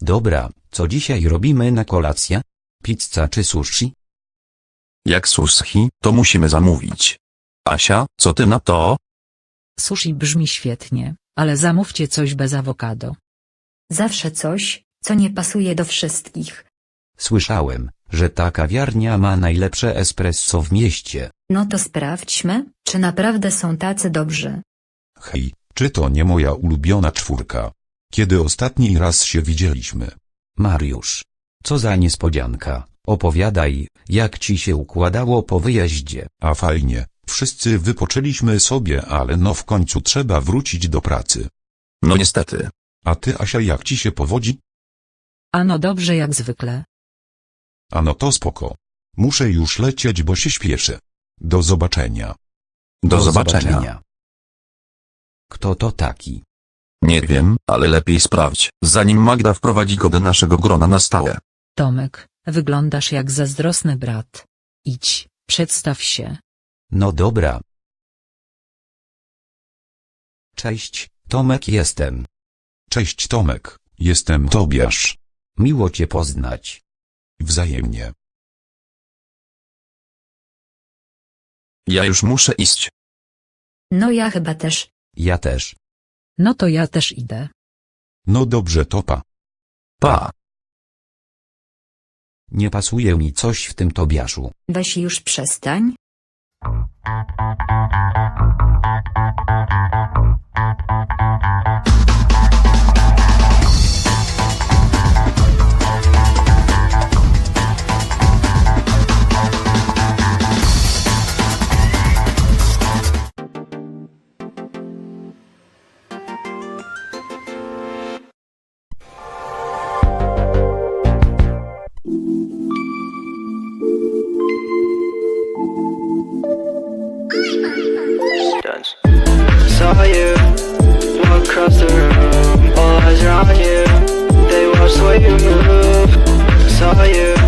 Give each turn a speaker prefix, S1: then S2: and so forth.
S1: Dobra, co dzisiaj robimy na kolację? Pizza czy sushi?
S2: Jak sushi, to musimy zamówić. Asia, co ty na to?
S3: Sushi brzmi świetnie, ale zamówcie coś bez awokado.
S4: Zawsze coś, co nie pasuje do wszystkich.
S1: Słyszałem, że ta kawiarnia ma najlepsze espresso w mieście.
S4: No to sprawdźmy, czy naprawdę są tacy dobrzy.
S5: Hej, czy to nie moja ulubiona czwórka? Kiedy ostatni raz się widzieliśmy?
S1: Mariusz. Co za niespodzianka, opowiadaj, jak ci się układało po wyjeździe.
S5: A fajnie, wszyscy wypoczęliśmy sobie, ale no w końcu trzeba wrócić do pracy.
S2: No niestety.
S5: A ty, Asia, jak ci się powodzi?
S3: Ano dobrze jak zwykle.
S5: A no to spoko. Muszę już lecieć, bo się śpieszę. Do zobaczenia.
S2: Do zobaczenia.
S1: Kto to taki?
S2: Nie wiem, ale lepiej sprawdź, zanim Magda wprowadzi go do naszego grona na stałe.
S3: Tomek, wyglądasz jak zazdrosny brat. Idź, przedstaw się.
S1: No dobra. Cześć, Tomek jestem.
S5: Cześć Tomek, jestem Tobiasz.
S1: Miło cię poznać.
S5: Wzajemnie.
S2: Ja już muszę iść.
S4: No ja chyba też.
S1: Ja też.
S3: No to ja też idę.
S5: No dobrze, topa.
S2: Pa.
S1: Nie pasuje mi coś w tym Tobiaszu.
S4: Weź już przestań.
S6: Dance. Saw you walk across the room, all eyes are on you. They watch the way you move. Saw you